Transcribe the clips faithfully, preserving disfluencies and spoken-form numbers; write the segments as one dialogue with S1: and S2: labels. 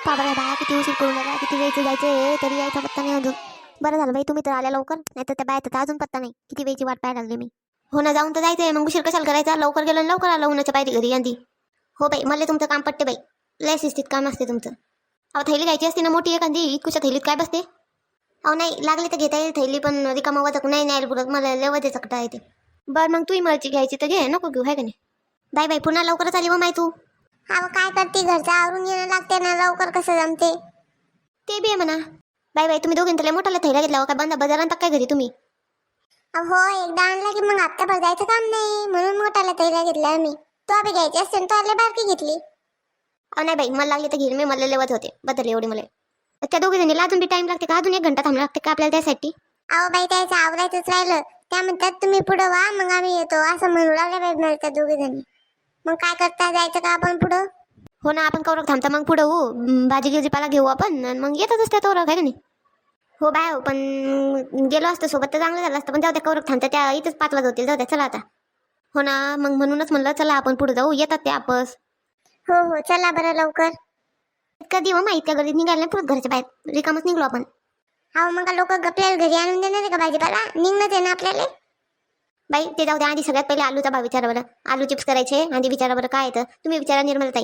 S1: बरं बाया किती उशीर करून राहिला, किती वेळचं जायचं तरी यायचा पत्ता नाही अजून. बरं झालं बाई तुम्ही तर आल्या लवकर, नाही तर त्या बाया तर अजून पत्ता नाही. किती वेळची वाट पाहायला लागली मी. हो ना, जाऊन तर जायचंय, मग उशीर कशाला करायचा. लवकर गेलो आणि लवकर आलो उन्हाच्या पायरी घरी आधी. हो बाई, मला तुमचं काम पटते बाई, लय शिस्तीत काम असते तुमचं. अहो थैली घ्यायची असते ना मोठी एखादी, इतकुशा थैलीत काय बसते. अहो नाही लागली तर घेता येईल थैली, पण रिकामा वजक नाही न्यायला पुरत मला, लय वजे चकटा येते. बरं मग तूही मळची घ्यायची तर घे, नको घेऊ आहे का नाही. बाई बाई पुन्हा लवकरच आली मग माय तू.
S2: अहो काय करते, घरचं आवरून येणं लागते ना, लवकर कसं जमते.
S1: ते बी आहे म्हणा. बाई बाई तुम्ही दोघींनी त्याला मोठाला थैला घेतला काय, बंदा बाजारात काय घरी तुम्ही.
S2: हो एकदा आणला की मग हप्ताभर जायचं काम नाही, म्हणून मोठाला तैला घेतला आम्ही. तो आम्ही घ्यायची असते तो आले बारकी घेतली.
S1: अहो नाही बाई, मला लागली तर घेईल मी, मला लेवत होते बदल एवढी मला. त्या दोघी जणीला अजून बी टाइम लागते का, अजून एक घंटा थांबला लागते का आपल्याला त्यासाठी.
S2: अहो बाई त्याचं आवरायचंच राहिलं, त्या म्हणतात तुम्ही पुढं व्हा मग आम्ही येतो, असं म्हणू लागल्या बाई मला त्या दोघी जणी. मग काय करता, जायचं का आपण पुढं.
S1: हो ना, आपण कवरक थांबता मग पुढं हो, भाजी गिजीपाला घेऊ आपण आणि मग येतातच त्या तोरक आहे का नाही. हो बाय हो, पण गेलो असतं सोबत तर चांगलं झालं असतं, पण जाऊ त्या कवरक थांबता त्या इथंच पाच वाजत होतील, जाऊ द्या चला आता. हो ना, मग म्हणूनच म्हणलं चला आपण पुढे जाऊ, येतात ते आपस.
S2: हो हो चला बरं लवकर.
S1: कधी हो माहिती घरी निघायला नाही पुरत, घरच्या बाहेर रिकामच निघलो आपण.
S2: अहो मग लोक आपल्याला घरी आणून देणार आहे का भाजीपाला, निघणंच आहे ना आपल्याला.
S1: बाई ते जाऊ द्या, आधी सगळ्यात पहिले आलूचा भाव विचारा बरं. आलू चिप्स करायचे आधी विचारा बरं काय येतं, तुम्ही विचारा निर्मलताई.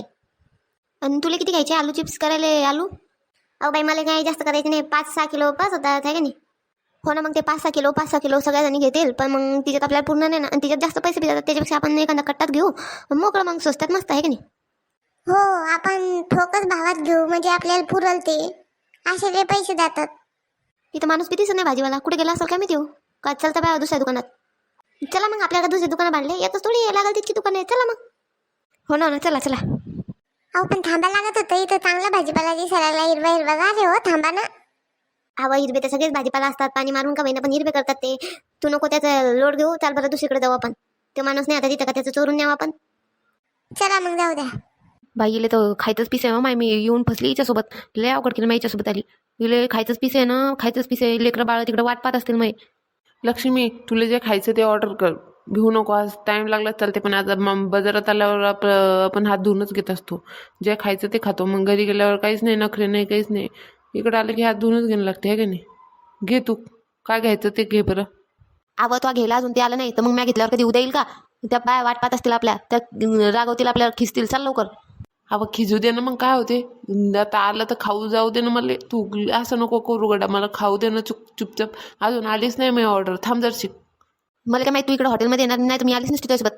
S1: आणि तुला किती घ्यायचे आलू चिप्स करायला आलू. अहो बाई मला काही जास्त करायचे नाही, पाच सहा किलो पाच होतात आहे का नाही. हो ना, मग ते पाच सहा किलो पाच सहा किलो सगळ्या जणी घेतील, पण मग तिच्यात आपल्याला पूर्ण नाही ना, आणि तिच्यात जास्त पैसे जातात, त्याच्यापेक्षा आपण एखादा कट्टात घेऊ मोकळं, मग स्वस्तात मस्त आहे का नाही.
S2: हो आपण ठोकच भावात घेऊ, म्हणजे आपल्याला पुरल ते, असे ते पैसे जातात.
S1: इथं माणूस कितीच नाही भाजीवाला, कुठे गेला असेल काय मी देऊ का, चलता बाय दुसऱ्या दुकानात. चला मग आपल्याला दुसरी दुकानं बांधले, येतच थोडी लागल तितकी दुकान आहे, चला मग. हो ना, चला चला.
S2: अहो पण थांबा लागत होतं, इथं चांगला भाजीपाला दिसायला हिरवा हिरवा गारे, हो थांबा ना.
S1: हवा हिरवे तर सगळेच भाजीपाला असतात, पाणी मारून का महिना पण हिरवे करतात ते. तू नको त्याचा लोड घेऊ, चाल बरं दुसरीकडे जाऊ आपण. तो माणूस नाही आता तिथं का, त्याचं चोरून न्यावं आपण.
S2: चला मग जाऊ द्या.
S3: बाईले तर खायचंच पिसे आहे माय, मी येऊन फसली हिच्यासोबत, लय अवघड केलं माय हिच्यासोबत आली. इले खायचंच पिसे आहे ना, खायचंच पिसे आहे, लेकरं बाळ तिकडे वाट पाहत असतील. मग
S4: लक्ष्मी तुला जे खायचं ते ऑर्डर कर, घेऊ नको, आज टाइम लागला चालते, पण आज मग बाजारात आल्यावर आप आपण हात धुवूनच घेत असतो. जे खायचं ते खातो, मग घरी गेल्यावर काहीच नाही, नखरे नाही, काहीच नाही. इकडं आलं की हात धुवूनच घेणं लागते आहे का नाही. घे तू काय घ्यायचं ते घे बरं.
S3: आवं तो गेला अजून ते आलं नाही तर मग मी घेतल्यावर कधी उद्या येईल का. त्या बाय वाट पाहत असतील आपल्या, त्या रागवतील आपल्याला, खिसतील. चाल लवकर.
S4: अवं खिजू दे ना, मग काय होते, आता आलं तर खाऊ जाऊ दे ना मला. तू असं नको करू गडा, मला खाऊ दे ना चुप चुपचाप. अजून आलीच नाही मी ऑर्डर, थांब जरशी.
S3: मला काय माहिती तू इकडे हॉटेलमध्ये येणार नाही, तर मी आलीच नसते त्यासोबत.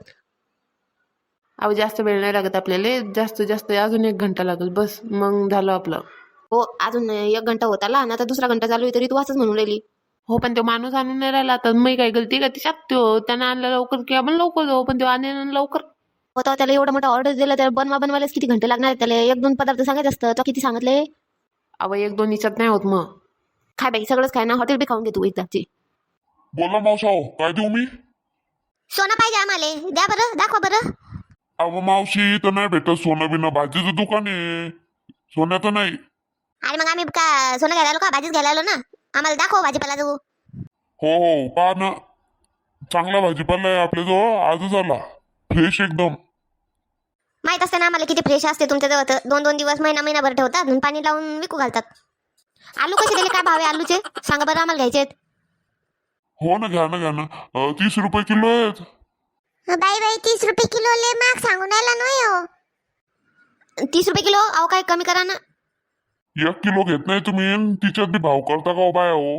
S4: अहो जास्त वेळ नाही लागत आपल्याला, जास्त जास्त अजून एक घंटा लागेल बस, मग झालं आपलं.
S3: हो अजून एक घंटा होत आला आणि आता दुसरा घंटा चालू आहे, तरी तू असंच म्हणून राहिली.
S4: हो पण तो माणूस आणून नाही राहिला, तर मी काय गलती का तिच्यात, तो त्यानं आणलं लवकर की आपण लवकर जाऊ, पण तो आणेल लवकर.
S3: होता त्याला एवढा मोठा ऑर्डर दिला, तर बनवा बनवायलाच किती घंटे लागणार आहेत त्याला. एक दोन पदार्थ सांगायचं असतं, तो किती सांगितले.
S4: अहो एक दोन हिच्यात नाही होत मग.
S3: खाय बाई सगळंच खाय ना, हॉटेल बी खाऊन घे तू एकदाची.
S5: बोला मावसाओ, काय देऊ मी.
S1: सोनं पाहिजे आम्हाला, द्या बरं, दाखवा बरं.
S5: अहो मावशी इथं नाही भेटत सोनं बिनं, भाजीचं दुकान आहे, सोन्याचं नाही.
S1: अरे मग आम्ही का सोनं घ्यायला आलो का, भाजीच घ्यायला आलो ना. आम्हाला दाखव भाजीपाला जाऊ.
S5: हो हो पहा ना, चांगला भाजीपाला आहे आपल्याजवळ, आजच आला, फ्रेश एकदम.
S1: माहित असते ना आम्हाला किती फ्रेश असते तुमच्याजवळ, तर दोन दोन दिवस महिना महिनाभर ठेवतात आणि पाणी लावून विकू घालतात. आलू कसे दिले, काय भाव आहे आलूचे सांगा बरं, आम्हाला घ्यायचे आहेत.
S5: हो ना, घ्या ना घ्या ना, अं, तीस रुपये किलो आहेत.
S2: बाई बाई तीस रुपये किलो ले माग सांगून राहिला नाही हो.
S1: तीस रुपये किलो, अहो काय कमी करा ना.
S5: एक किलो घेत नाही तुम्ही, अन तिच्यात बी भाव करता का हो बाया हो.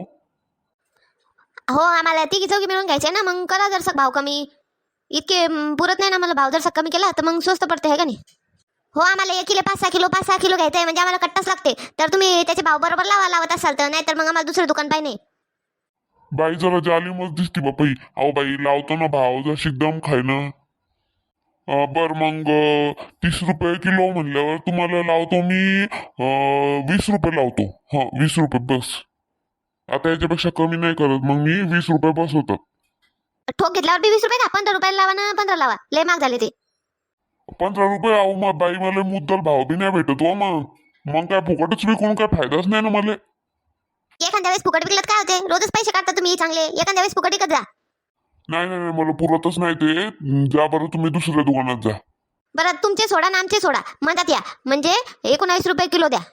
S1: हो आम्हाला तिघी चौघी मिळून घ्यायचे ना, मग करा जरसा भाव कमी. इतके म, पुरत नाही ना मला, भाव जरसा कमी केला तर मग स्वस्त पडते आहे का नाही. हो आम्हाला एक किलो पाच सहा किलो पाच सहा किलो घ्यायचं आहे, म्हणजे आम्हाला कट्टाच लागते, तर तुम्ही त्याचे भाव बरोबर लावा लावत असाल तर, नाही तर मग आम्हाला दुसरं दुकान पाहिजे.
S5: बाई जरा जाली मग दिसती बापाई. अहो बाई लावतो ना भाव, जशी दम खाय ना. अं, बर मग अं, तीस रुपये किलो म्हणल्यावर तुम्हाला लावतो मी अं, वीस रुपये लावतो. हा वीस रुपये बस, आता याच्यापेक्षा कमी नाही करत, मग मी वीस रुपये बस होतात.
S1: ठोक घेतल्यावर बी वीस रुपये का, पंधरा रुपयाला लावा ना, पंधरा लावा, लय महाग झाले ते.
S5: पंधरा रुपये अहो मग बाई, मला मुद्दल भाव बी नाही भेटत हो. मग मग काय फुकटच विकून काय फायदाच नाही ना मला.
S1: एखाद्या वेळेस फुकट विकलत काय होते, रोजच पैसे काढता तुम्ही चांगले, एखाद्या वेळेस फुकट विकत जा.
S5: नाही नाही नाही, मला पुरतच नाही ते, जा बरं तुम्ही दुसऱ्या दुकानात जा.
S1: बरं तुमचे सोडा ना आमचे सोडा, म्हणतात या म्हणजे एकोणावीस रुपये किलो द्या.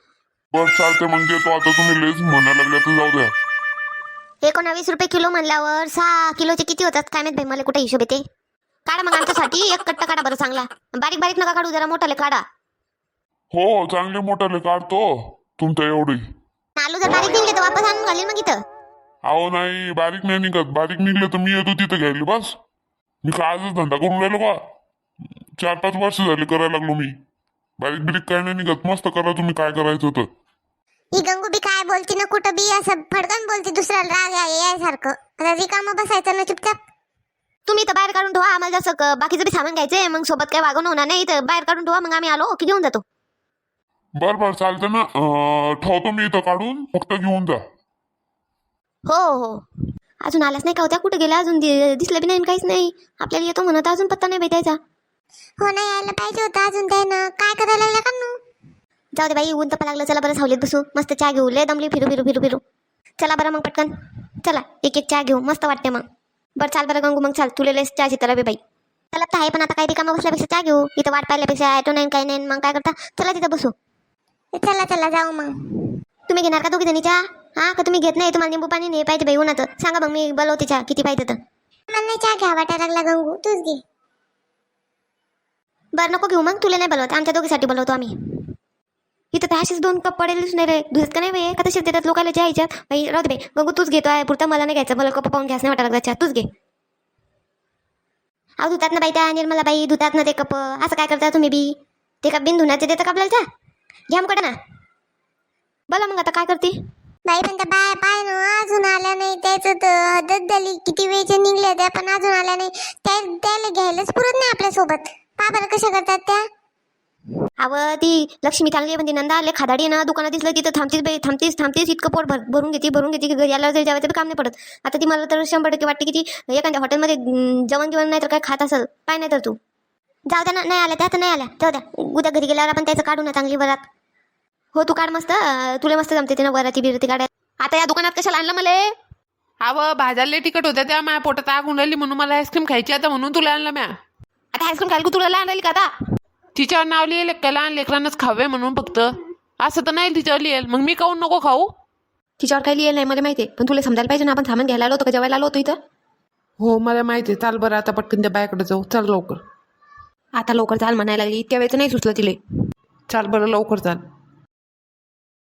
S5: बस चालते मग देतो. आता तुम्ही लेच म्हणायला लागल्या तर जाऊ द्या.
S1: एकोणावीस रुपये किलो म्हणल्यावर सहा किलोचे किती होतात काय माहित भाई, मला कुठे हिशोब येते. काढा मग आमच्यासाठी एक कट्टा काढा बरं चांगला. बारीक बारीक नका काढू, जरा मोठाले काढा.
S5: हो चांगले मोठाले काढतो तुमच्या एवढी.
S1: आलू जर बारीक निघले तर वापस आणून घालीन मग इथं.
S5: अहो नाही बारीक नाही निघत. बारीक निघले तर मी येतो तिथं घ्यायला. बस मी काय आजच धंदा करून राहिलो का. चार पाच वर्ष झाले करायला लागलो मी. बारीक बिरीक काय नाही निघत. मस्त करा तुम्ही काय करायचं होतं.
S2: ही गंगू बी काय बोलती ना कुठं बी असं फडकन बोलती दुसऱ्याला राग आहे यासारखं. आता रिकामं बसायचं ना चुपचाप.
S1: तुम्ही तर बाहेर काढून ठेवा, आम्हाला जसं क- बाकीचं बी सामान घ्यायचंय, मग सोबत काय वागवणं होणार नाही, तर बाहेर काढून ठेवा, मग आम्ही आलो की घेऊन जातो.
S5: बरं बरं चालतं ना. अं, ठेवतो मी इथं काढून, फक्त घेऊन जा.
S1: हो हो अजून आल्याच नाही का होत्या, कुठे गेल्या अजून दि- दिसलं बी नाही आणि काहीच नाही. आपल्याला येतो म्हणत अजून पत्ता नाही भेटायचा.
S2: हो ना यायला पाहिजे होतं अजून त्यानं. काय करायला लागला का नू.
S1: जाऊ दे बाई, ऊन तपा लागलं. चला बरं सावलीत बसू, मस्त चहा घेऊ. लय दमली फिरू फिरू फिरू फिरू. चला बरं मग पटकन चला, एक एक चहा घेऊ, मस्त वाटते मग. बरं चाल बरं गंगू, मग चाल, तुला लस चहाची तर बे बाई. चला तर आहे, पण आता काही रिकामा बसल्यापेक्षा चहा घेऊ. इथं वाट पाहिल्यापेक्षा ॲटो नाही काही नाही, मग काय करता. चला तिथं बसू.
S2: चला चला जाऊ मग.
S1: तुम्ही घेणार का दोघी जणी चहा? हा का तुम्ही घेत नाही? तुम्हाला निंबू पाणी नाही पाहिजे बाई उन्हाचं. सांगा मग मी बोलवते चहा किती पाहिजे तर.
S2: मला नाही चहा घ्या वाटायला लागला गंगू, तूच घे.
S1: बरं नको घेऊ मग, तुला नाही बोलवत, आमच्या दोघीसाठी बोलवतो आम्ही. इथं तर असेच दोन कप पडेलच नाही रे, दुसरं का नाही बाई, का तसेच देतात लोकांना चहा यायच्यात. बाई राहू दे बाई, गंगू तूच घेतो आहे पुरता, मला नाही घ्यायचं. मला कप पाहून घ्यास नाही वाटायला लागला चहा, तूच घे. अहो धुतात ना बाई त्या निर्मला बाई, धुतात ना ते कप. असं काय करता तुम्ही बी? ते कप बिन धुण्याचे देतं का आपल्याला चहा? घ्या मग ना. बोला मग आता काय करते.
S2: बाई पण त्या बाय पाय ना अजून आल्या नाही. त्याचं तर हदत झाली. किती वेळचे निघले त्या पण अजून आल्या नाही. त्या त्याला घ्यायलाच पुरत नाही आपल्यासोबत. पा बरं कशा करतात त्या.
S1: अवं ती लक्ष्मी चांगली आहे, पण ती नंदा आले खादाडी आहे ना, दुकानात दिसलं तिथं थांबतीस बाई, थांबतीस थांबतीस इतकं पोट भर भरून घेते भरून घेते की घरी आल्यावर जरी जेवायचं बी काम नाही पडत. आता ती मला तर शंभर टक्के वाटते की ती एखाद्या हॉटेलमध्ये अं, जेवण जेवण नाही तर काय खात असेल, काय नाही तर तू. जाऊ द्या ना, नाही आल्या त्या तर नाही आल्या, जाऊ द्या. उद्या घरी गेल्यावर आपण त्याचं काढू ना चांगली वरात. हो तू काढ मस्त, अं, तुला मस्त जमते ते ना वराती बिरती काढायला.
S3: आता या दुकानात कशाला आणलं मला?
S4: अव भाज्याला तिकट होत्या त्या माझ्या पोटात आग होऊन राहिली म्हणून मला आईस्क्रीम खायची आता म्हणून तुला आणलं म्या.
S3: आता आईस्क्रीम खायला तुला लहान राहील का आता?
S4: तिच्यावर नाव लिहिलं का लहान लेकरांनाच खावे म्हणून फक्त. असं तर नाही तिच्यावर लिहेल, मग मी काऊन नको खाऊ.
S3: तिच्यावर काही लिहिलं नाही मला माहिती आहे, पण तुला समजायला पाहिजे ना, आपण सामान घ्यायला आलो होतो का जेवायला आलो होतो इथं.
S4: हो मला माहिती आहे. चाल बरं आता पटकन त्या बायाकडे जाऊ. चल लवकर.
S3: आता लवकर चाल म्हणायला लागली, त्या वेळेचं नाही सुचलं तिले.
S4: चाल बरं लवकर चाल.